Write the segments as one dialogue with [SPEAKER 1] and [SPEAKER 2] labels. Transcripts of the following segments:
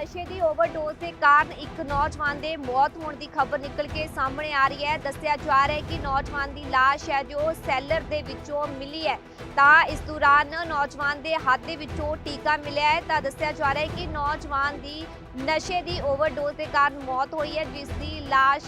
[SPEAKER 1] ਨਸ਼ੇ ਦੀ ਓਵਰਡੋਜ਼ ਦੇ ਕਾਰਨ ਇੱਕ ਨੌਜਵਾਨ ਦੇ ਮੌਤ ਹੋਣ ਦੀ ਖਬਰ ਨਿਕਲ ਕੇ ਸਾਹਮਣੇ ਆ ਰਹੀ ਹੈ। ਦੱਸਿਆ ਜਾ ਰਿਹਾ ਹੈ ਕਿ ਨੌਜਵਾਨ ਦੀ ਲਾਸ਼ ਹੈ ਜੋ ਸੈਲਰ ਦੇ ਵਿੱਚੋਂ ਮਿਲੀ ਹੈ। ਤਾਂ ਇਸ ਦੌਰਾਨ ਨੌਜਵਾਨ ਦੇ ਹੱਥ ਦੇ ਵਿੱਚੋਂ ਟੀਕਾ ਮਿਲਿਆ ਹੈ। ਤਾਂ ਦੱਸਿਆ ਜਾ ਰਿਹਾ ਹੈ ਕਿ ਨੌਜਵਾਨ ਦੀ ਨਸ਼ੇ ਦੀ ਓਵਰਡੋਜ਼ ਦੇ ਕਾਰਨ ਮੌਤ ਹੋਈ ਹੈ, ਜਿਸ ਦੀ ਲਾਸ਼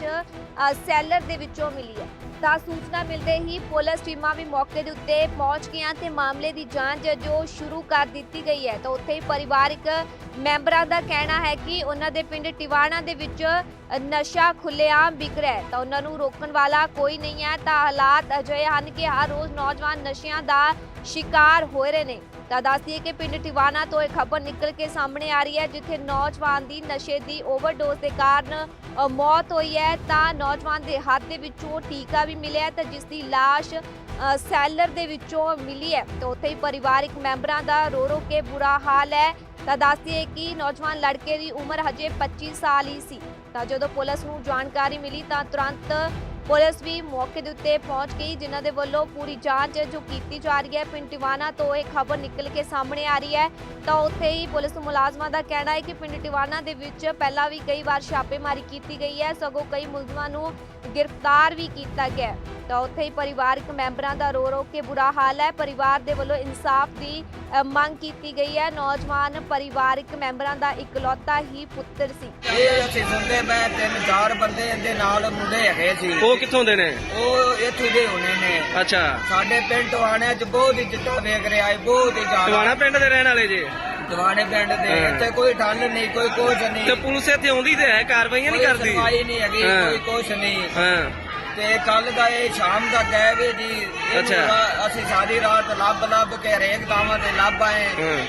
[SPEAKER 1] ਸੈਲਰ ਦੇ ਵਿੱਚੋਂ ਮਿਲੀ ਹੈ। ਤਾਂ ਸੂਚਨਾ ਮਿਲਦੇ ਹੀ ਪੁਲਿਸ ਟੀਮਾਂ ਵੀ ਮੌਕੇ ਦੇ ਉੱਤੇ ਪਹੁੰਚ ਗਈਆਂ ਤੇ ਮਾਮਲੇ ਦੀ ਜਾਂਚ ਜੋ ਸ਼ੁਰੂ ਕਰ ਦਿੱਤੀ ਗਈ ਹੈ। ਤਾਂ ਉੱਥੇ ਹੀ ਪਰਿਵਾਰਕ ਮੈਂਬਰਾਂ ਦਾ ਕਹਿਣਾ ਹੈ ਕਿ ਉਹਨਾਂ ਦੇ ਪਿੰਡ ਟਿਵਾਣਾ ਦੇ ਵਿੱਚ ਨਸ਼ਾ ਖੁੱਲ੍ਹੇਆਮ ਵਿਕ ਰਿਹਾ ਹੈ, ਤਾਂ ਉਹਨਾਂ ਨੂੰ ਰੋਕਣ ਵਾਲਾ ਕੋਈ ਨਹੀਂ ਹੈ। ਤਾਂ ਹਾਲਾਤ ਅਜਿਹੇ ਹਨ ਕਿ ਹਰ ਰੋਜ਼ ਨੌਜਵਾਨ ਨਸ਼ਿਆਂ ਦਾ ਸ਼ਿਕਾਰ ਹੋ ਰਹੇ ਨੇ। ਤਾਂ ਦੱਸ ਦਈਏ ਕਿ ਪਿੰਡ ਟਿਵਾਣਾ ਤੋਂ ਇਹ ਖਬਰ ਨਿਕਲ ਕੇ ਸਾਹਮਣੇ ਆ ਰਹੀ ਹੈ, ਜਿੱਥੇ ਨੌਜਵਾਨ ਦੀ ਨਸ਼ੇ ਦੀ ਓਵਰਡੋਜ਼ ਦੇ ਕਾਰਨ ਮੌਤ ਹੋਈ ਹੈ। ਤਾਂ ਨੌਜਵਾਨ ਦੇ ਹੱਥ ਦੇ ਵਿੱਚੋਂ ਟੀਕਾ ਵੀ ਮਿਲਿਆ ਤਾਂ ਜਿਸ ਦੀ ਲਾਸ਼ ਸੈਲਰ ਦੇ ਵਿੱਚੋਂ ਮਿਲੀ ਹੈ। ਤਾਂ ਉੱਥੇ ਹੀ ਪਰਿਵਾਰਕ ਮੈਂਬਰਾਂ ਦਾ ਰੋ ਰੋ ਕੇ ਬੁਰਾ ਹਾਲ ਹੈ। ਤਾਂ ਦੱਸ ਦਈਏ ਕਿ ਨੌਜਵਾਨ ਲੜਕੇ ਦੀ ਉਮਰ ਹਜੇ 25 ਸਾਲ ਹੀ ਸੀ। ਤਾਂ ਜਦੋਂ ਪੁਲਿਸ ਨੂੰ ਜਾਣਕਾਰੀ ਮਿਲੀ ਤਾਂ ਤੁਰੰਤ ਪੁਲਿਸ ਵੀ ਮੌਕੇ ਦੇ ਉੱਤੇ ਪਹੁੰਚ ਗਈ, ਜਿਨ੍ਹਾਂ ਦੇ ਵੱਲੋਂ ਪੂਰੀ ਜਾਂਚ ਜੋ ਕੀਤੀ ਜਾ ਰਹੀ ਹੈ। ਪਿੰਡ ਟਿਵਾਣਾ ਤੋਂ ਇਹ ਖਬਰ ਨਿਕਲ ਕੇ ਸਾਹਮਣੇ ਆ ਰਹੀ ਹੈ। ਤਾਂ ਉੱਥੇ ਹੀ ਪੁਲਿਸ ਮੁਲਾਜ਼ਮਾਂ ਦਾ ਕਹਿਣਾ ਹੈ ਕਿ ਪਿੰਡ ਟਿਵਾਣਾ ਦੇ ਵਿੱਚ ਪਹਿਲਾਂ ਵੀ ਕਈ ਵਾਰ ਛਾਪੇਮਾਰੀ ਕੀਤੀ ਗਈ ਹੈ, ਸਗੋਂ ਕਈ ਮੁਲਜ਼ਮਾਂ ਨੂੰ ਗ੍ਰਿਫਤਾਰ ਵੀ ਕੀਤਾ ਗਿਆ। ਤਾਂ ਉੱਥੇ ਹੀ ਪਰਿਵਾਰਕ ਮੈਂਬਰਾਂ ਦਾ ਰੋ ਰੋ ਕੇ ਬੁਰਾ ਹਾਲ ਹੈ। ਪਰਿਵਾਰ ਦੇ ਵੱਲੋਂ ਇਨਸਾਫ ਦੀ ਮੰਗ ਕੀਤੀ ਗਈ ਹੈ। ਨੌਜਵਾਨ ਪਰਿਵਾਰਕ ਮੈਂਬਰਾਂ ਦਾ ਇਕਲੌਤਾ ਹੀ ਪੁੱਤਰ ਸੀ।
[SPEAKER 2] ਇਹ ਅਸੀਂ ਸੁਣਦੇ ਮੈਂ 3-4 ਬੰਦੇ ਇਹਦੇ ਨਾਲ ਮੁੰਡੇ ਹੈਗੇ ਸੀ।
[SPEAKER 3] ਉਹ ਕਿੱਥੋਂ ਦੇ ਨੇ?
[SPEAKER 2] ਉਹ ਇੱਥੇ ਦੇ ਹੋਣੇ ਨੇ।
[SPEAKER 3] ਅੱਛਾ,
[SPEAKER 2] ਸਾਡੇ ਪਿੰਡ ਟਵਾਣਿਆਂ 'ਚ ਬਹੁਤ ਇੱਜ਼ਤ ਵੇਖ ਰਿਹਾ ਹੈ, ਬਹੁਤ ਹੀ ਜ਼ਿਆਦਾ।
[SPEAKER 3] ਟਿਵਾਣਾ ਪਿੰਡ ਦੇ ਰਹਿਣ ਵਾਲੇ ਜੇ?
[SPEAKER 2] ਟਵਾਣੇ ਪਿੰਡ ਦੇ ਇੱਥੇ ਕੋਈ ਠੰਡ ਨਹੀਂ, ਕੋਈ ਕੁਛ ਨਹੀਂ।
[SPEAKER 3] ਤੇ ਪੁਲਿਸ ਇੱਥੇ ਆਉਂਦੀ ਤੇ ਹੈ, ਕਾਰਵਾਈਆਂ ਨਹੀਂ ਕਰਦੀ?
[SPEAKER 2] ਕੋਈ ਸੁਣਵਾਈ ਨਹੀਂ ਹੈਗੀ, ਕੋਈ ਕੁਛ ਨਹੀਂ।
[SPEAKER 3] ਹਾਂ,
[SPEAKER 2] ਤੇ ਕੱਲ ਦਾ ਇਹ ਸ਼ਾਮ ਦਾ ਗਏ ਵੀ ਜੀ।
[SPEAKER 3] ਅੱਛਾ।
[SPEAKER 2] ਅਸੀਂ ਸਾਰੀ ਰਾਤ ਲੱਭ ਕੇ ਹਰੇਕ ਥਾਵਾਂ ਤੇ ਲੱਭ ਆਏ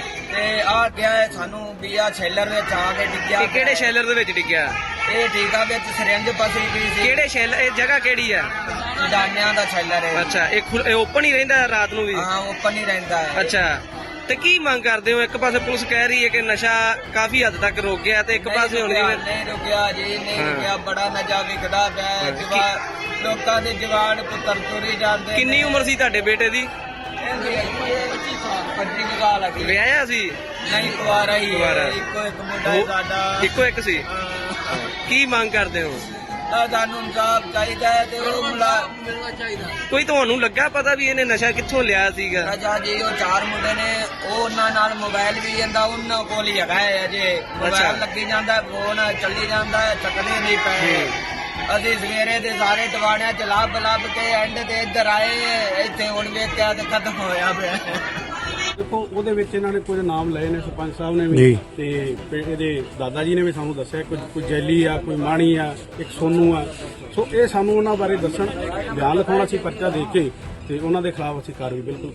[SPEAKER 2] ਤੇ ਆ ਗਿਆ ਹੈ ਸਾਨੂੰ ਵੀ ਆ ਸ਼ੈਲਰ ਵਿੱਚ ਆ ਕੇ ਡਿੱਗਿਆ।
[SPEAKER 3] ਇਹ ਕਿਹੜੇ ਸ਼ੈਲਰ ਦੇ ਵਿੱਚ ਡਿੱਗਿਆ?
[SPEAKER 2] ਇਹ ਟੀਕਾ ਵਿੱਚ ਸਿਰੰਜ ਫਸੀ ਪਈ ਸੀ।
[SPEAKER 3] ਕਿਹੜੇ ਸ਼ੈਲਰ? ਇਹ ਜਗ੍ਹਾ ਕਿਹੜੀ ਆ?
[SPEAKER 2] ਦਾਨਿਆਂ ਦਾ ਸ਼ੈਲਰ ਹੈ।
[SPEAKER 3] ਅੱਛਾ, ਇਹ ਓਪਨ ਹੀ ਰਹਿੰਦਾ ਰਾਤ ਨੂੰ ਵੀ?
[SPEAKER 2] ਹਾਂ, ਓਪਨ ਹੀ ਰਹਿੰਦਾ ਹੈ।
[SPEAKER 3] ਅੱਛਾ, ਤੇ ਕੀ ਮੰਗ ਕਰਦੇ ਹੋ? ਇੱਕ ਪਾਸੇ ਪੁਲਿਸ ਕਹਿ ਰਹੀ ਹੈ ਕਿ ਨਸ਼ਾ ਕਾਫੀ ਹੱਦ ਤੱਕ ਰੁਕ ਗਿਆ ਤੇ ਇੱਕ ਪਾਸੇ ਹੁਣ
[SPEAKER 2] ਨਹੀਂ ਰੁਕਿਆ ਜੀ, ਨਹੀਂ ਰੁਕਿਆ। ਬੜਾ ਨਸ਼ਾ ਵਿਕਦਾ ਪਿਆ। ਲੋਕਾਂ ਦੇ ਜਵਾਨ ਪੁੱਤਰ ਤੁਰੀ ਜਾਂਦੇ।
[SPEAKER 3] ਕਿੰਨੀ ਉਮਰ ਸੀ ਤੁਹਾਡੇ ਬੇਟੇ ਦੀ?
[SPEAKER 2] 25 ਸਾਲ ਲੱਗੀ।
[SPEAKER 3] ਵਿਆਹਿਆ ਸੀ?
[SPEAKER 2] ਨਹੀਂ, ਕੁਆਰਾ ਹੀ ਹੈ। ਇੱਕੋ ਇੱਕ ਮੁੰਡਾ ਹੈ ਸਾਡਾ।
[SPEAKER 3] ਇੱਕੋ ਇੱਕ ਸੀ? ਕੀ ਮੰਗ ਕਰਦੇ ਹੋ?
[SPEAKER 2] ਸਾਨੂੰ ਇਨਸਾਫ ਚਾਹੀਦਾ ਹੈ ਤੇ ਉਹ ਮਿਲਣਾ ਚਾਹੀਦਾ।
[SPEAKER 3] ਕੋਈ ਤੁਹਾਨੂੰ ਲੱਗਾ ਪਤਾ ਵੀ ਇਹਨੇ ਨਸ਼ਾ ਕਿੱਥੋਂ ਲਿਆ ਸੀਗਾ?
[SPEAKER 2] ਰਾਜਾ ਜੀ, ਉਹ 4 ਮੁੰਡੇ ਨੇ, ਉਹ ਉਹਨਾਂ ਨਾਲ ਮੋਬਾਈਲ ਵੀ ਜਾਂਦਾ, ਉਹਨਾਂ ਕੋਲ ਹੀ ਹੈਗਾ ਹੈ। ਅਜੇ ਮੋਬਾਈਲ ਲੱਗੀ ਜਾਂਦਾ, ਫੋਨ ਚੱਲੀ ਜਾਂਦਾ, ਚੱਕਦੇ ਨਹੀਂ ਪਏ। ਅਸੀਂ ਸਵੇਰੇ ਦੇ ਸਾਰੇ ਟਵਾਣਿਆਂ ਚ ਲੱਭ ਕੇ ਐਂਡ ਤੇ ਇੱਧਰ ਆਏ। ਇੱਥੇ ਹੁਣ ਵੇਖਿਆ ਤੇ ਖਤਮ ਹੋਇਆ ਪਿਆ।
[SPEAKER 4] ਦੇਖੋ, ਉਹਦੇ ਵਿੱਚ ਇਹਨਾਂ ਨੇ ਕੁਝ ਨਾਮ ਲਏ ਨੇ, ਸਰਪੰਚ ਸਾਹਿਬ ਨੇ ਵੀ ਤੇ ਇਹਦੇ ਦਾਦਾ ਜੀ ਨੇ ਵੀ ਸਾਨੂੰ ਦੱਸਿਆ ਕੋਈ ਜੈਲੀ ਆ, ਕੋਈ ਮਾਣੀ ਆ, ਇੱਕ ਸੋਨੂ ਆ। ਸੋ ਇਹ ਸਾਨੂੰ ਉਹਨਾਂ ਬਾਰੇ ਦੱਸਣ, ਬਿਆਨ ਲਿਖਾਉਣਾ ਸੀ, ਪਰਚਾ ਦੇ ਕੇ ਤੇ ਉਹਨਾਂ ਦੇ ਖਿਲਾਫ ਅਸੀਂ ਕਾਰਵਾਈ ਬਿਲਕੁਲ